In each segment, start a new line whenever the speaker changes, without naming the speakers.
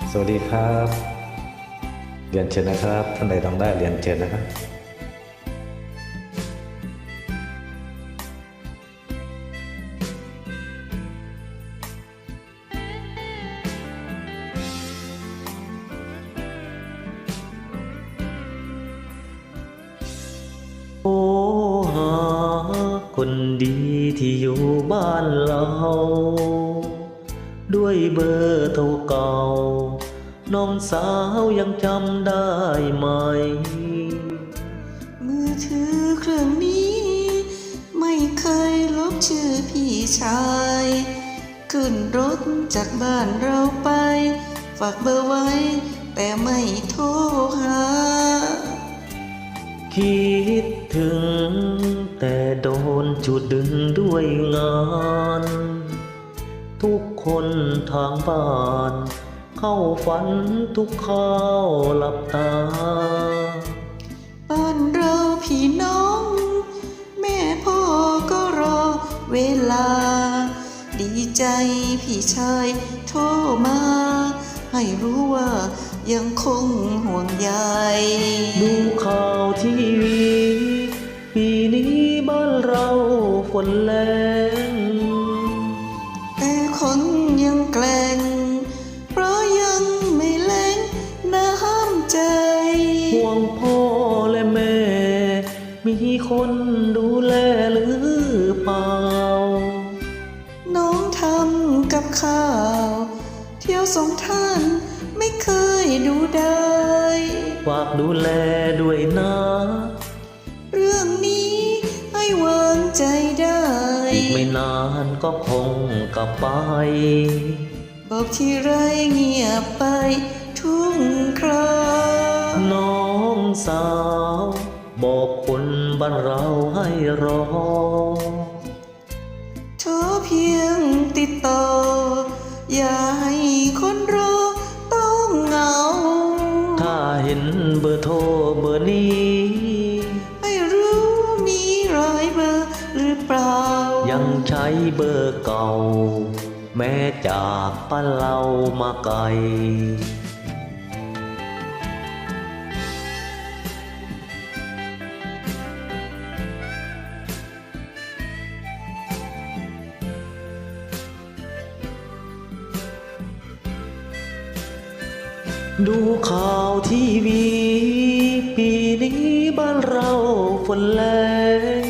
สวัสดีครับเรียนเชิญนะครับท่านใดต้องได้เรียนเชิญนะครับโอ้หาคนดีที่อยู่บ้านเราด้วยเบอร์โทรเก่าน้องสาวยังจำได้ไหม
มือถือเครื่องนี้ไม่เคยลบชื่อพี่ชายขึ้นรถจากบ้านเราไปฝากเบอร์ไว้แต่ไม่โทรหา
คิดถึงแต่โดนจุดดึงด้วยงานทุกคนทางบ้านเข้าฝันทุกข้าวหลับตา
บ้านเราพี่น้องแม่พ่อก็รอเวลาดีใจพี่ชายโทรมาให้รู้ว่ายังคงห่วงใย
ดูข่าวทีวีปีนี้บ้านเราฝนแรง
แต่คนยังแกล้งเพราะยังไม่แล้งน้ำใจ
ห่วงพ่อและแม่มีคนดูแลหรือเปล่า
น้องทำกับข้าวเที่ยวส่งท่านไม่เคยดูได้
ฝากดูแลด้วยนะ
เรื่องนี้ให้วางใจได้
อีกไม่นานก็คงกลับไป
บอกที่ไรเงียบไปทุกครา
น้องสาวบอกคนบ้านเราให้รอ
โทรเพียงติดต่ออย่าให้คนรอต้องเหงา
ถ้าเห็นเบอร์โทรเบอร์นี้
ไม่รู้มีรอยเบอร์หรือเปล่า
ยังใช้เบอร์เก่าแม้จากบ้านเรามาไกลดูข่าวทีวีปีนี้บ้านเราฝนแรง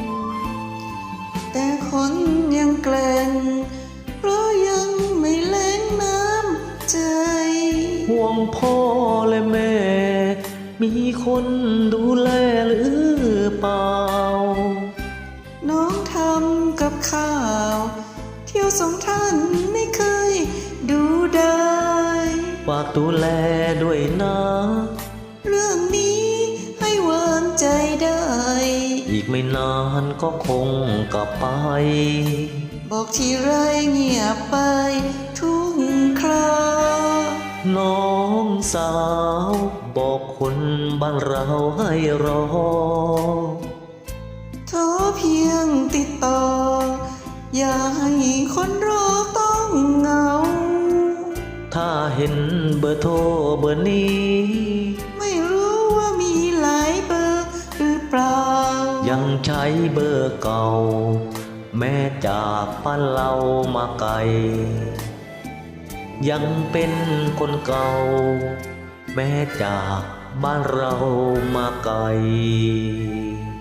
แต่คนยังแกล้งเพราะยังไม่แล้งน้ำใจ
ห่วงพ่อและแม่มีคนดูแลหรือเปล่า
น้องทำกับข้าวเที่ยวส่งท่านไม่เคยดูได้
ฝากดูแลด้วยนะ
เรื่องนี้ให้วางใจได้
อีกไม่นานก็คงกลับไป
บอกที่ไรเงียบไปทุกครา
น้องสาวบอกคนบ้านเราให้รอ
โทรเพียงติดต่ออย่าให้คนรอต้องเหงา
ถ้าเห็นเบอร์โทรเบอร์นี้
ไม่รู้ว่ามีหลายเบอร์หรือเปล่า
ยังใช้เบอร์เก่าแม้จากบ้านเรามาไกลยังเป็นคนเก่าแม้จากบ้านเรามาไกล